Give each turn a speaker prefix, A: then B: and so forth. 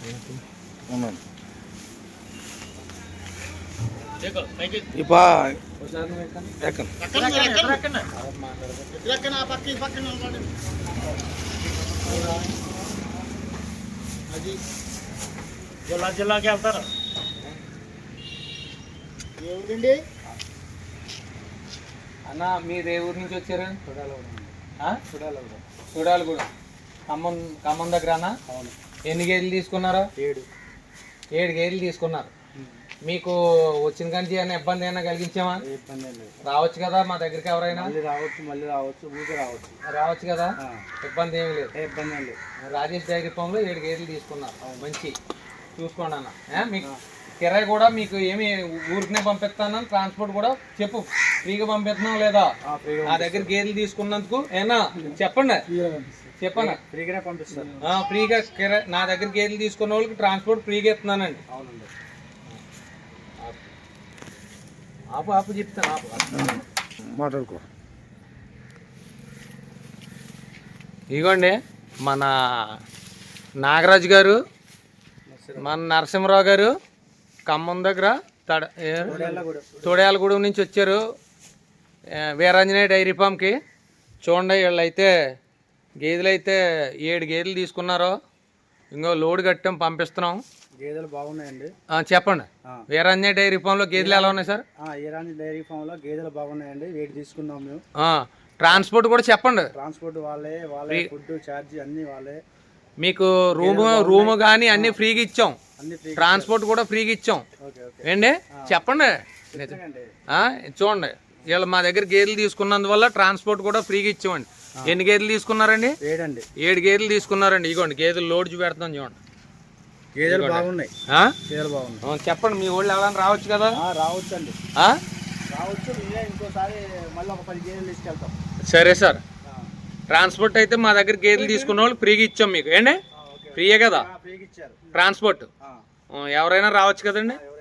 A: జిల్లాకి వెళ్తారు. ఏమిటండి
B: అన్న, మీరు ఏ ఊరు నుంచి వచ్చారు? చూడాలగూడ. ఖమ్మం దగ్గరనా?
A: అవును.
B: ఎన్ని గేదెలు తీసుకున్నారా? 7 గేదెలు తీసుకున్నారు. మీకు వచ్చిన కంచి ఏమైనా ఇబ్బంది అయినా కలిగించామా?
A: ఇబ్బంది లేదు.
B: రావచ్చు కదా మా దగ్గరికి ఎవరైనా?
A: మళ్ళీ రావచ్చు ఊరికి
B: రావచ్చు కదా, ఇబ్బంది ఏమి లేదు.
A: ఇబ్బంది లేదు.
B: రాజేష్ డైరీ ఫామ్లో 7 గేదెలు తీసుకున్నారు. మంచి చూసుకోండి అన్న. మీకు కిరాయి కూడా మీకు ఏమి ఊరికనే పంపిస్తాను, ట్రాన్స్పోర్ట్ కూడా చెప్పు, ఫ్రీగా పంపిస్తున్నాం లేదా? నా దగ్గర గేదెలు తీసుకున్నందుకు ఏనా చెప్పండి, చెప్పండి.
A: ఫ్రీగానే పంపిస్తాను.
B: ఫ్రీగా కిరాయి, నా దగ్గర గేదెలు తీసుకున్న వాళ్ళకి ట్రాన్స్పోర్ట్ ఫ్రీగా ఇస్తున్నానండి.
A: అవునండి.
B: ఆపు చెప్తాను,
A: మాట్లాడుకో.
B: ఇదిగోండి మన నాగరాజు గారు, మన నరసింహరావు గారు ఖమ్మం దగ్గర తోడేలగూడెం నుంచి వచ్చారు వీరాంజనేయ డైరీ ఫామ్కి. చూడండి, వీళ్ళైతే గేదెలు అయితే 7 గేదెలు తీసుకున్నారు. ఇంకో లోడ్ కట్టాం, పంపిస్తున్నాం.
A: గేదెలు బాగున్నాయండి.
B: చెప్పండి, వీరాంజనేయ డైరీ ఫామ్లో గేదెలు ఎలా ఉన్నాయి సార్?
A: వీరాంజనేయ డైరీ ఫామ్లో గేదెలు బాగున్నాయండి. వెయిట్ తీసుకున్నాం మేము.
B: ట్రాన్స్పోర్ట్ కూడా చెప్పండి.
A: ట్రాన్స్పోర్ట్ వాళ్ళే, ఫుడ్ ఛార్జ్ అన్ని వాళ్ళే.
B: మీకు రూమ్ కానీ అన్ని ఫ్రీగా ఇచ్చాం, ట్రాన్స్పోర్ట్ కూడా ఫ్రీగా ఇచ్చాం. ఏండి చెప్పండి. చూడండి, వీళ్ళు మా దగ్గర గేదెలు తీసుకున్నందువల్ల ట్రాన్స్పోర్ట్ కూడా ఫ్రీగా ఇచ్చామండి. ఎన్ని గేదెలు తీసుకున్నారండి? 7 గేదెలు తీసుకున్నారండి. ఇగోండి గేదెలు లోడ్ చూపెడతాం చూడండి.
A: గేదెలు బాగున్నాయి.
B: చెప్పండి, మీ ఊళ్ళో ఎవరైనా రావచ్చు కదా?
A: రావచ్చు అండి, రావచ్చు. ఇంకోసారి మళ్ళీ ఒక 10 గేదెలు తీసుకెళ్తాం.
B: సరే సార్. ట్రాన్స్పోర్ట్ అయితే మా దగ్గర గేదెలు తీసుకున్న వాళ్ళు ఫ్రీగా ఇచ్చాం మీకు. ఏండి ఫ్రీయే కదా ట్రాన్స్పోర్ట్? ఎవరైనా రావచ్చు కదండి.